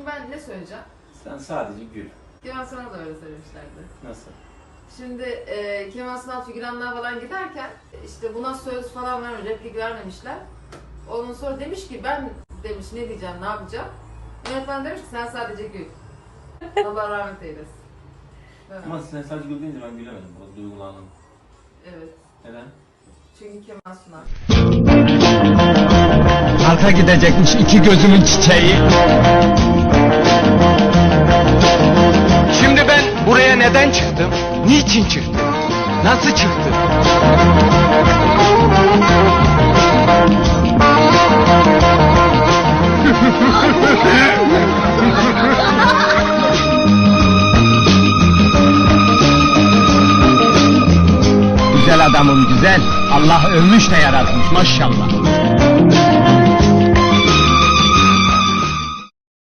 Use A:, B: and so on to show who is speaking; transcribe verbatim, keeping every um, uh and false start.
A: ben ne söyleyeceğim?
B: Sen sadece gül.
A: Kemal sana da öyle söylemişlerdi.
B: Nasıl?
A: Şimdi e, Kemal Sunal figüranlar falan giderken işte buna söz falan vermemiş, replik vermemişler. Ondan sonra demiş ki ben demiş ne diyeceğim, ne yapacağım? Yönetmen demiş ki sen sadece gül. Allah rahmet eylesin. Evet.
B: Ama sen sadece gül deyince ben gülemedim. Biraz duygulandım.
A: Evet.
B: Neden?
A: Çünkü Kemal Sunal.
C: Arka gidecekmiş iki gözümün çiçeği. Şimdi ben buraya neden çıktım? Niçin çıktım? Nasıl çıktım? Güzel adamım güzel. Allah övmüş de yaratmış maşallah.